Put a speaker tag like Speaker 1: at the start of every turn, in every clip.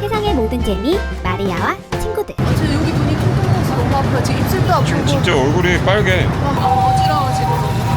Speaker 1: 세상의 모든 재미 마리아와 친구들.
Speaker 2: 저 여기 눈이 퉁퉁 부어서 너무 아파요. 지금 입술도 아프고.
Speaker 3: 진짜 얼굴이 빨개.
Speaker 2: 어지러워 지금.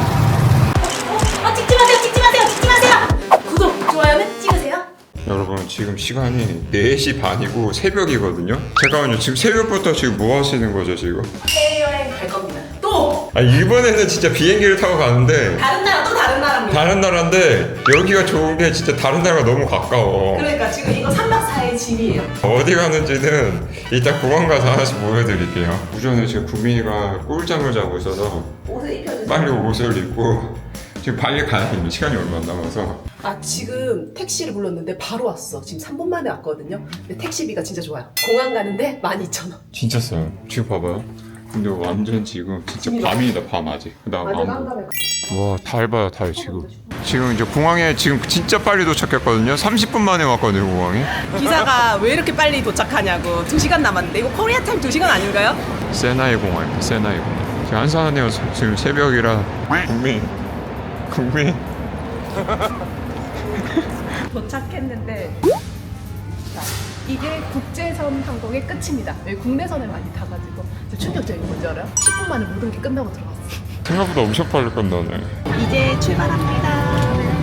Speaker 1: 찍지 마세요, 찍지 마세요, 찍지 마세요.
Speaker 2: 구독, 좋아요는 찍으세요.
Speaker 3: 여러분 지금 시간이 4시 반이고 새벽이거든요. 잠깐만요. 지금 새벽부터 지금 뭐 하시는 거죠 지금?
Speaker 2: 해외여행 갈 겁니다. 또
Speaker 3: 아 이번에는 진짜 비행기를 타고 가는데
Speaker 2: 다른 나라 또 다른 나라입니다.
Speaker 3: 다른 나라인데 여기가 좋은 게 진짜 다른 나라가 너무 가까워.
Speaker 2: 그러니까 지금 이거 3박 4일 짐이에요.
Speaker 3: 어디 가는지는 이따 공항 가서 하나씩 보여드릴게요. 우전에 지금 구민이가 꿀잠을 자고 있어서
Speaker 2: 옷을 입혀주세요.
Speaker 3: 빨리 옷을 입고 지금 빨리 가야 됩니다. 시간이 얼마 안 남아서.
Speaker 2: 아 지금 택시를 불렀는데 바로 왔어. 지금 3분 만에 왔거든요. 근데 택시비가 진짜 좋아요. 공항 가는데 12,000원.
Speaker 3: 진짜 싸요. 지금 봐봐요. 근데 완전 지금 진짜 밤이다 밤 아직. 그다음
Speaker 2: 완전
Speaker 3: 안
Speaker 2: 한가해.
Speaker 3: 보여. 와 달 봐요 달 지금. 지금 이제 공항에 지금 진짜 빨리 도착했거든요. 30분 만에 왔거든요 공항에.
Speaker 2: 기사가 왜 이렇게 빨리 도착하냐고. 2시간 남았는데 이거 코리아 타임 2시간 아닌가요?
Speaker 3: 세나이 공항입니다. 세나이 공항. 지금 한산하네요. 지금 새벽이라. 국민.
Speaker 4: 도착했는데 자, 이게 국제선 항공의 끝입니다. 여기 국내선을 많이 타가지고 충격적인 건 뭔지 알아요? 10분 만에 모든 게 끝나고 들어갔어.
Speaker 3: 생각보다 엄청 빨리 끝나네.
Speaker 4: 이제 출발합니다.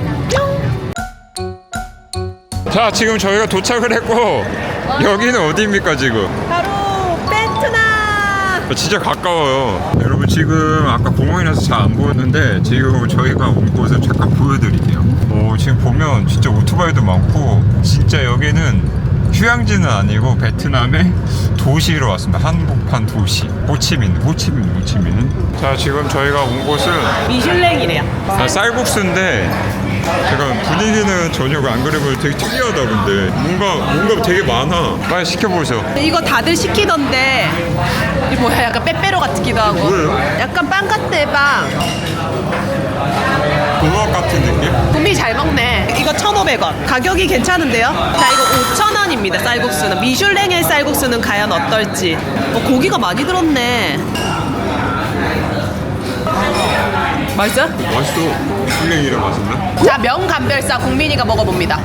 Speaker 3: 자 지금 저희가 도착을 했고 여기는 어디입니까 지금?
Speaker 2: 바로 베트남.
Speaker 3: 진짜 가까워요. 여러분 지금 아까 공항이라서 잘 안 보였는데 지금 저희가 온 곳을 잠깐 보여드릴게요. 오, 지금 보면 진짜 오토바이도 많고 진짜 여기는 휴양지는 아니고 베트남의 도시로 왔습니다. 한복판 도시 호치민. 자 지금 저희가 온 곳은
Speaker 2: 미슐랭이래요.
Speaker 3: 쌀국수인데 잠깐 분위기는 전혀 안 그래 보여. 되게 특이하다. 근데 뭔가 되게 많아. 빨리 시켜보세요.
Speaker 2: 이거 다들 시키던데 이 뭐야 약간 빼빼로 같기도 하고.
Speaker 3: 뭐예요?
Speaker 2: 약간 빵 같대 빵.
Speaker 3: 도넛 같은 느낌?
Speaker 2: 분미 잘 먹네. 이거 1,500원. 가격이 괜찮은데요? 자 이거 5,000원입니다. 쌀국수는. 미슐랭의 쌀국수는 과연 어떨지. 고기가 많이 들었네. 맛있어?
Speaker 3: 맛있어. 술랭이라 맛있나?
Speaker 2: 자 명감별사 국민이가 먹어봅니다.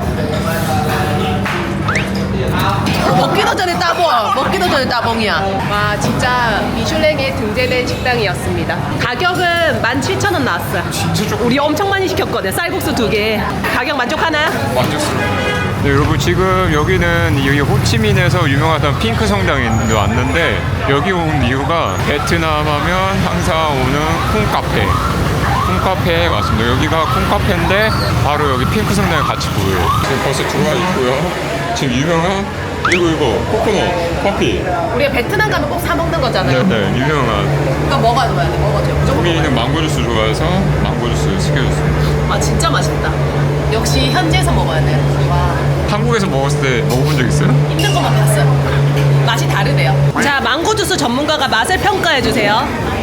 Speaker 2: 먹기도 전에 따봉이야. 와 진짜 미슐랭에 등재된 식당이었습니다. 가격은 17,000원 나왔어요.
Speaker 3: 진짜 조금
Speaker 2: 우리 엄청 많이 시켰거든. 쌀국수 2개. 가격 만족하나요?
Speaker 3: 만족스러워. 네, 여러분 지금 여기는 여기 호치민에서 유명하던 핑크 성당에 왔는데 여기 온 이유가 베트남 하면 항상 오는 콩카페에 왔습니다. 여기가 콩카페인데 바로 여기 핑크 성당에 같이 보여요. 지금 벌써 들어와 있고요. 지금 유명한 이거 코코넛 커피.
Speaker 2: 우리가 베트남 가면 꼭 사 먹는 거잖아요.
Speaker 3: 네, 유명한.
Speaker 2: 이거 먹어야 돼. 먹어줘요. 무조건
Speaker 3: 국민이는 망고 주스 좋아해서 망고 주스 시켜줬습니다.
Speaker 2: 아 진짜 맛있다. 역시 현지에서 먹어야 돼. 와.
Speaker 3: 한국에서 먹었을 때 먹어본 적 있어요?
Speaker 2: 있는 것만 봤어요. 맛이 다르대요. 자 망고 주스 전문가가 맛을 평가해 주세요.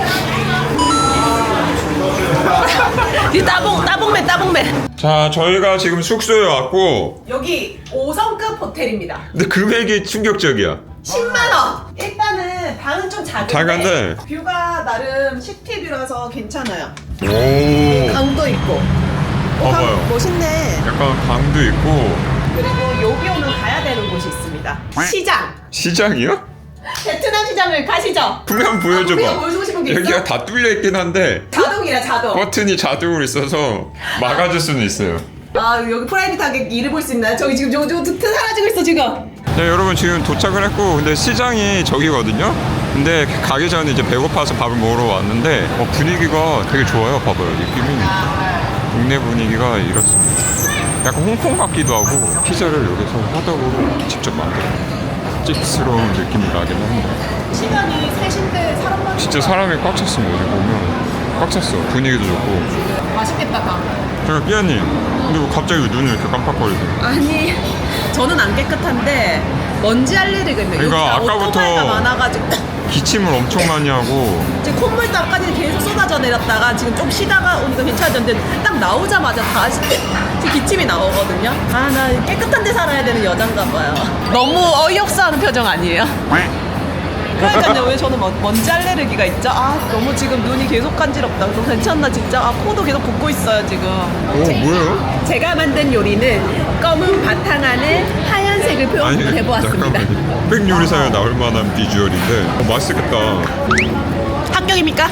Speaker 2: 이 따봉맨.
Speaker 3: 자, 저희가 지금 숙소에 왔고
Speaker 2: 여기 5성급 호텔입니다.
Speaker 3: 근데 금액이 충격적이야.
Speaker 2: 10만 원. 일단은 방은 좀
Speaker 3: 작은데.
Speaker 2: 뷰가 나름 시티뷰라서 괜찮아요.
Speaker 3: 오,
Speaker 2: 강도 있고.
Speaker 3: 봐봐요.
Speaker 2: 멋있네.
Speaker 3: 약간 강도 있고.
Speaker 2: 그리고 여기 오면 가야 되는 곳이 있습니다. 시장.
Speaker 3: 시장이요?
Speaker 2: 베트남 시장을 가시죠.
Speaker 3: 한번 보여줘봐.
Speaker 2: 우리가 보여주고 싶은 게 있어?
Speaker 3: 여기가 다 뚫려 있긴 한데
Speaker 2: 자동이라 자동.
Speaker 3: 버튼이 자동으로 있어서 막아줄 수는 있어요.
Speaker 2: 아 여기 프라이빗하게 일을 볼 수 있나요? 저기 지금 저거 사라지고 있어 지금.
Speaker 3: 네, 여러분 지금 도착을 했고 근데 시장이 저기거든요. 근데 가기 전에 이제 배고파서 밥을 먹으러 왔는데 분위기가 되게 좋아요. 봐봐요. 느낌이 동네 분위기가 이렇습니다. 약간 홍콩 같기도 하고 피자를 여기서 화덕으로 직접 만들어요. 찝스러운 느낌이 나긴 합니다.
Speaker 2: 시간이 3시인데 사람 많이.
Speaker 3: 진짜 사람이 꽉 찼습니다. 여기 보면 꽉 찼어. 분위기도 좋고.
Speaker 2: 맛있겠다 다.
Speaker 3: 제가 끼아님 근데 왜 갑자기 눈을 이렇게 깜빡거리세요?
Speaker 2: 아니 저는 안 깨끗한데 먼지 알레르기가 있네.
Speaker 3: 그러니까
Speaker 2: 여기가
Speaker 3: 아까부터
Speaker 2: 오토바이가 많아가지고
Speaker 3: 기침을 엄청 많이 하고
Speaker 2: 지금 콧물도 아까는 계속 쏟아져 내렸다가 지금 좀 쉬다가 오니까 괜찮아졌는데 딱 나오자마자 다시 지금 기침이 나오거든요. 아 나 깨끗한 데 살아야 되는 여잔가 봐요. 너무 어이없어하는 표정 아니에요? 그러니까요. 왜 저는 먼지 알레르기가 있죠? 아 너무 지금 눈이 계속 간지럽다. 너 괜찮나 진짜? 아 코도 계속 붓고 있어요 지금.
Speaker 3: 오 뭐예요?
Speaker 2: 제가 만든 요리는 검은 바탕 안에 하얀
Speaker 4: 빨간색을 표현을 해보았습니다.
Speaker 3: 잠깐만요. 흑백 요리사에 나올 만한 비주얼인데 맛있겠다.
Speaker 2: 합격입니까?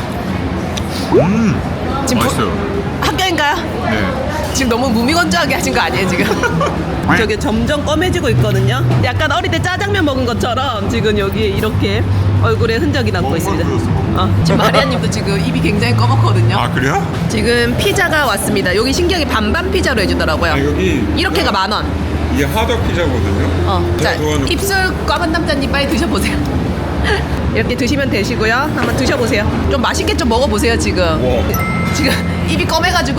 Speaker 2: 지금
Speaker 3: 맛있어요.
Speaker 2: 합격인가요?
Speaker 3: 네.
Speaker 2: 지금 너무 무미건조하게 하신 거 아니에요 지금? 저기 점점 검해지고 있거든요. 약간 어릴 때 짜장면 먹은 것처럼 지금 여기에 이렇게 얼굴에 흔적이 남고 있습니다. 지금 마리아님도 지금 입이 굉장히 꺼먹거든요.
Speaker 3: 아 그래요?
Speaker 2: 지금 피자가 왔습니다. 여기 신기하게 반반 피자로 해주더라고요.
Speaker 3: 아 여기
Speaker 2: 이렇게가 10,000원.
Speaker 3: 이게 하덕 피자거든요.
Speaker 2: 자,
Speaker 3: 제가 좋아하는
Speaker 2: 입술 까만 남자님 빨리 드셔보세요. 이렇게 드시면 되시고요. 한번 드셔보세요. 좀 맛있게 좀 먹어보세요 지금.
Speaker 3: 와.
Speaker 2: 지금 입이 검해가지고.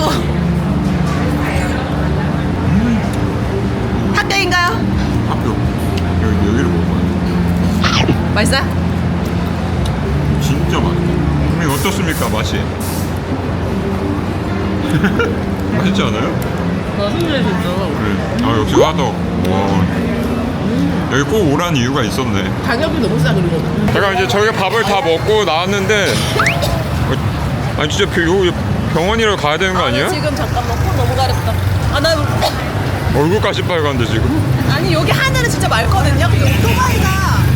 Speaker 2: 합격인가요?
Speaker 3: 합격. 여기를 먹어봐요.
Speaker 2: 맛있어요?
Speaker 3: 진짜 맛있어. 그럼 어떻습니까 맛이? 맛있지 않아요?
Speaker 2: 맛있네 진짜.
Speaker 3: 그래. 아 역시 하덕. 와. 여기 꼭 오란 이유가 있었네.
Speaker 2: 가격이 너무 싸 그리고.
Speaker 3: 잠깐 이제 저희가 밥을 다 먹고 나왔는데 아니 진짜 병원이라고 가야 되는 거 아니에요?
Speaker 2: 지금 잠깐만 코 너무 가렵다. 나
Speaker 3: 얼굴까지 빨간데 지금?
Speaker 2: 아니 여기 하늘은 진짜 맑거든요. 근데 오토바이가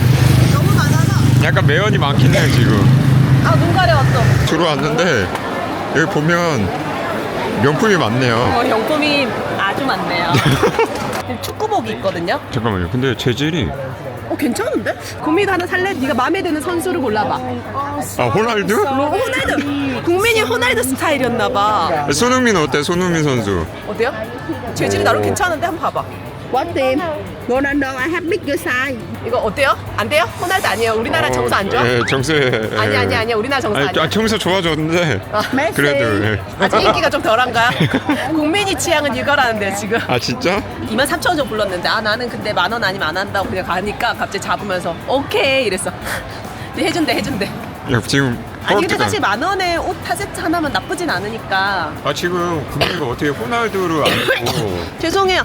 Speaker 2: 너무 많아서.
Speaker 3: 약간 매연이 많긴 해요 지금.
Speaker 2: 눈 가려웠어.
Speaker 3: 들어왔는데 여기 보면 명품이 많네요.
Speaker 2: 용품이 아주 많네요. 축구복이 있거든요.
Speaker 3: 잠깐만요. 근데 재질이
Speaker 2: 괜찮은데? 고민 하나 살래? 네가 마음에 드는 선수를 골라봐.
Speaker 3: 아 호날두?
Speaker 2: 호날두. 국민이 호날두 스타일이었나봐.
Speaker 3: 손흥민 어때? 손흥민 선수.
Speaker 2: 어때요? 재질이 나름 괜찮은데 한번 봐봐.
Speaker 5: What team? Ronaldo, I have bigger size.
Speaker 2: 이거 어때요? 안 돼요? 호날두 아니에요. 우리나라 정서 안 좋아?
Speaker 3: 네, 정세.
Speaker 2: 아니. 우리나라 정서 아니야.
Speaker 3: 정세 좋아졌는데.
Speaker 5: Messi.
Speaker 3: 그래도. 예.
Speaker 2: 아직 인기가 좀 덜한가요? 국민이 취향은 이거라는데 지금.
Speaker 3: 아 진짜?
Speaker 2: 23,000원 좀 불렀는데 나는 근데 10,000원 아니면 안 한다고 그냥 가니까 갑자기 잡으면서 오케이 이랬어. 근데 해준대.
Speaker 3: 야, 지금.
Speaker 2: 아니 근데
Speaker 3: 헐뜯어.
Speaker 2: 사실 10,000원에 옷 4세트 하나면 나쁘진 않으니까.
Speaker 3: 아 지금 국민이가 어떻게 호날두를 안 했고.
Speaker 2: 죄송해요.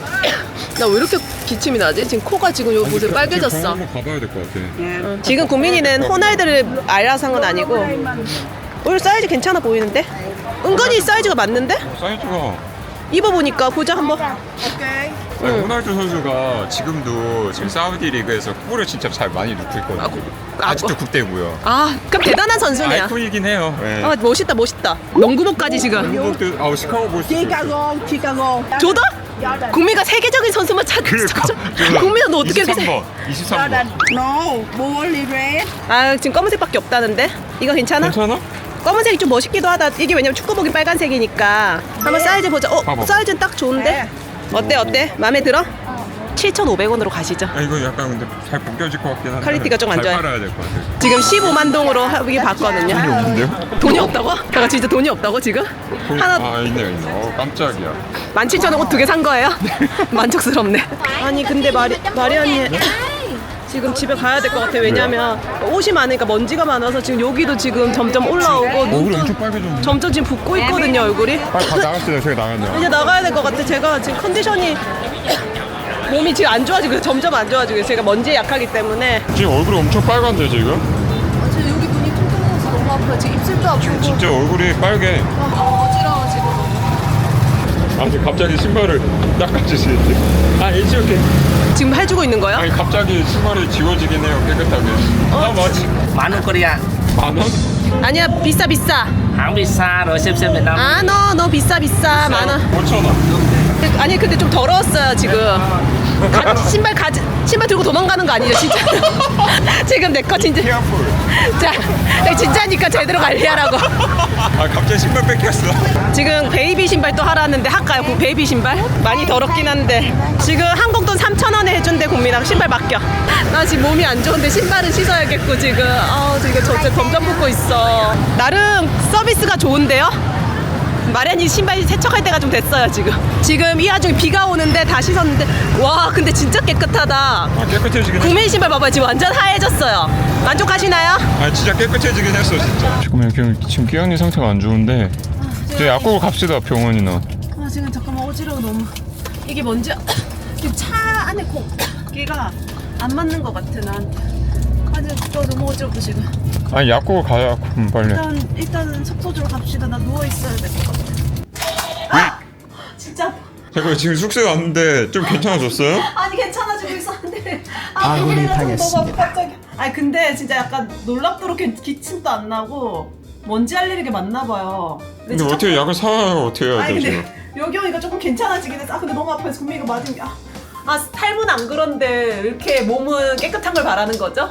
Speaker 2: 나 왜 이렇게 기침이 나지? 지금 코가 지금 요 곳에 빨개졌어.
Speaker 3: 한번 가봐야 될 것 같아.
Speaker 2: 지금 국민이는 호날두를 알아서 한 건 아니고 오히려 사이즈 괜찮아 보이는데? 은근히 사이즈가 맞는데?
Speaker 3: 사이즈가.
Speaker 2: 입어보니까 보자 한번.
Speaker 3: 아니, 호날두 선수가 지금도 지금 사우디 리그에서 골을 진짜 잘 많이 넣고 있거든요. 아직도 국대고요.
Speaker 2: 그럼 대단한 선수네요.
Speaker 3: 아이콘이긴 해요. 네.
Speaker 2: 멋있다. 농구복까지 지금.
Speaker 3: 아우 시카고 볼스.
Speaker 5: Chicago, Chicago.
Speaker 2: 조던? 국민가 세계적인 선수만 찾고 있어. 국민아 너 어떻게 이렇게
Speaker 3: 23번. 23번.
Speaker 5: No, bully red.
Speaker 2: 지금 검은색밖에 없다는데? 이거 괜찮아?
Speaker 3: 괜찮아?
Speaker 2: 검은색이 좀 멋있기도 하다. 이게 왜냐면 축구복이 빨간색이니까. 한번 사이즈 보자.
Speaker 3: 봐봐.
Speaker 2: 사이즈는 딱 좋은데? 어때? 마음에 들어? 7,500원으로 가시죠.
Speaker 3: 이거 약간 근데 잘 벗겨질 것 같긴 한데.
Speaker 2: 퀄리티가 좀안
Speaker 3: 잘
Speaker 2: 좋아요.
Speaker 3: 팔아야 될 것 같아.
Speaker 2: 지금 15만 동으로 하기 봤거든요.
Speaker 3: 돈이 없는데요?
Speaker 2: 돈이 없다고? 내가 진짜 돈이 없다고 지금? 하나
Speaker 3: 있네. 깜짝이야.
Speaker 2: 17,000원 옷 2개 산 거예요? 만족스럽네. 아니 근데 마리아님 지금 집에 가야 될 것 같아. 왜냐면 옷이 많으니까 먼지가 많아서 지금 여기도 지금 점점 올라오고
Speaker 3: 얼굴이 엄청 빨개졌네.
Speaker 2: 점점 지금 붓고 있거든요 얼굴이.
Speaker 3: 빨리 나갔어요. 저기 나갔네요.
Speaker 2: 이제 나가야 될 것 같아. 제가 지금 컨디션이 몸이 지금 안 좋아지고 제가 먼저 안 좋아지고 제가 먼지에 약하기 때문에.
Speaker 3: 지금 얼굴이 엄청 빨간데 지금?
Speaker 2: 지금 여기 눈이 퉁퉁해서 너무 아파요. 지금 입술도 아프고.
Speaker 3: 진짜 얼굴이 빨개.
Speaker 2: 어지러워 지금.
Speaker 3: 지금 갑자기 신발을 닦아주시는데. 이렇게.
Speaker 2: 지금 해주고 있는 거예요?
Speaker 3: 아니 갑자기 신발이 지워지긴 해요. 깨끗하게. 맞지?
Speaker 6: 10,000 Korea.
Speaker 3: 10,000원?
Speaker 2: 아니야 비싸.
Speaker 6: Hãng visa rồi xem Việt Nam.
Speaker 2: 너 비싸 10,000원.
Speaker 3: 5,000원.
Speaker 2: 아니 근데 좀 더러웠어요 지금. 신발 들고 도망가는 거 아니죠 진짜? 지금 내 거 진짜.
Speaker 3: 케어풀.
Speaker 2: 자, 내가 진짜니까 제대로 관리하라고.
Speaker 3: 갑자기 신발 뺏겼어.
Speaker 2: 지금 베이비 신발 또 하라는데 할까요? 그 베이비 신발? 많이 더럽긴 한데 지금 한국 돈 3,000원에 해준대. 국민아 신발 맡겨. 나 지금 몸이 안 좋은데 신발은 씻어야겠고 지금 지금 점점 붓고 있어. 나름 서비스가 좋은데요? 마련이 신발 세척할 때가 좀 됐어요 지금 이 와중에 비가 오는데 다 씻었는데 와 근데 진짜 깨끗하다.
Speaker 3: 깨끗해지긴 했어.
Speaker 2: 국민 신발 봐봐요. 지금 완전 하얘졌어요. 만족하시나요?
Speaker 3: 진짜 깨끗해지긴 했어 진짜. 지금 끼양이 상태가 안 좋은데 이제 약국을 갑시다. 병원이나.
Speaker 2: 지금 잠깐만 어지러워 너무. 이게 뭔지 지금 차 안에 공기가 안 맞는 것 같아 나한테. 너무 어지럽다 지금.
Speaker 3: 약국을 가야 빨리.
Speaker 2: 일단은 숙소주로 갑시다. 나 누워 있어야 될 것 같아. 진짜.
Speaker 3: 제가 지금 숙소에 왔는데 좀 괜찮아졌어요?
Speaker 2: 아니 괜찮아
Speaker 7: 아군이 당했습니다.
Speaker 2: 갑자기. 아니 근데 진짜 약간 놀랍도록 기침도 안 나고 먼지 알레르기 맞나 봐요.
Speaker 3: 근데 어떻게 약을 사와요? 어떻게 해야
Speaker 2: 아니
Speaker 3: 돼
Speaker 2: 근데
Speaker 3: 지금?
Speaker 2: 여기 오니까 조금 괜찮아지긴 했어. 아 근데 너무 아파서 구미가 맞은 게. 아 탈모는 안 그런데 이렇게 몸은 깨끗한 걸 바라는 거죠?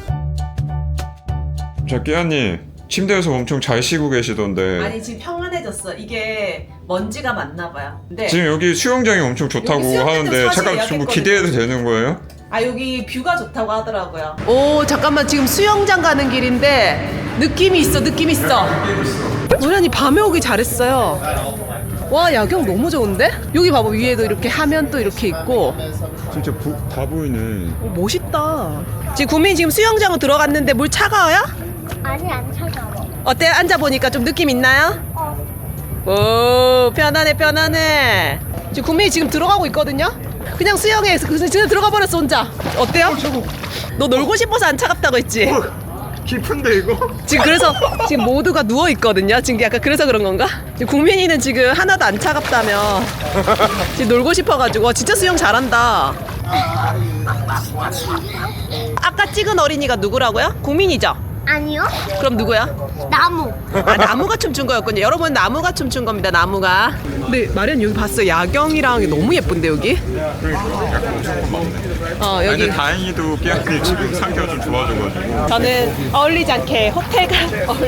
Speaker 3: 자 끼아님 침대에서 엄청 잘 쉬고 계시던데
Speaker 2: 아니 지금 평안해졌어. 이게 먼지가 맞나 봐요. 근데
Speaker 3: 지금 여기 수영장이 엄청 좋다고
Speaker 2: 여기 수영장도
Speaker 3: 하는데
Speaker 2: 사실
Speaker 3: 잠깐 뭐
Speaker 2: 예약했거든요.
Speaker 3: 기대해도 되는 거예요?
Speaker 2: 아 여기 뷰가 좋다고 하더라고요. 오 잠깐만 지금 수영장 가는 길인데 느낌이 있어 느낌 있어. 노련이 밤에 오기 잘했어요. 와 야경 너무 좋은데? 여기 봐봐 위에도 이렇게 하면 또 이렇게 있고.
Speaker 3: 진짜 다 보이네.
Speaker 2: 오, 멋있다. 지금 구민 지금 수영장으로 들어갔는데 물 차가워요?
Speaker 1: 아니 안 차가워.
Speaker 2: 어때요? 앉아보니까 좀 느낌 있나요? 오 편하네 편하네. 지금 구민이 지금 들어가고 있거든요? 그냥 수영해 지금 들어가 버렸어 혼자. 어때요? 너 놀고 싶어서 안 차갑다고 했지?
Speaker 3: 깊은데 이거?
Speaker 2: 지금 그래서 지금 모두가 누워 있거든요. 지금 약간 그래서 그런 건가? 지금 국민이는 지금 하나도 안 차갑다며 지금 놀고 싶어가지고. 와, 진짜 수영 잘한다. 아까 찍은 어린이가 누구라고요? 국민이죠?
Speaker 1: 아니요.
Speaker 2: 그럼 누구야?
Speaker 1: 나무.
Speaker 2: 아, 나무가 춤춘 거였군요. 여러분 나무가 춤춘 겁니다. 나무가. 근데 마련 여기 봤어. 야경이랑 너무 예쁜데 여기?
Speaker 3: 아니,
Speaker 2: 여기
Speaker 3: 근데 다행히도 끼아님 지금 상태가 좀 좋아져가지고
Speaker 2: 저는 어울리지 않게 호텔에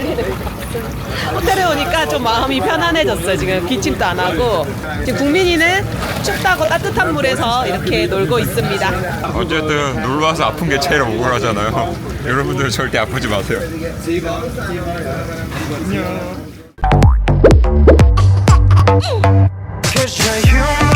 Speaker 2: 오니까 좀 마음이 편안해졌어요. 지금 기침도 안 하고. 지금 국민이는 춥다고 따뜻한 물에서 이렇게 놀고 있습니다.
Speaker 3: 어쨌든 놀러와서 아픈 게 제일 억울하잖아요. 여러분들 절대 아프지 마세요.
Speaker 8: Cause you're human.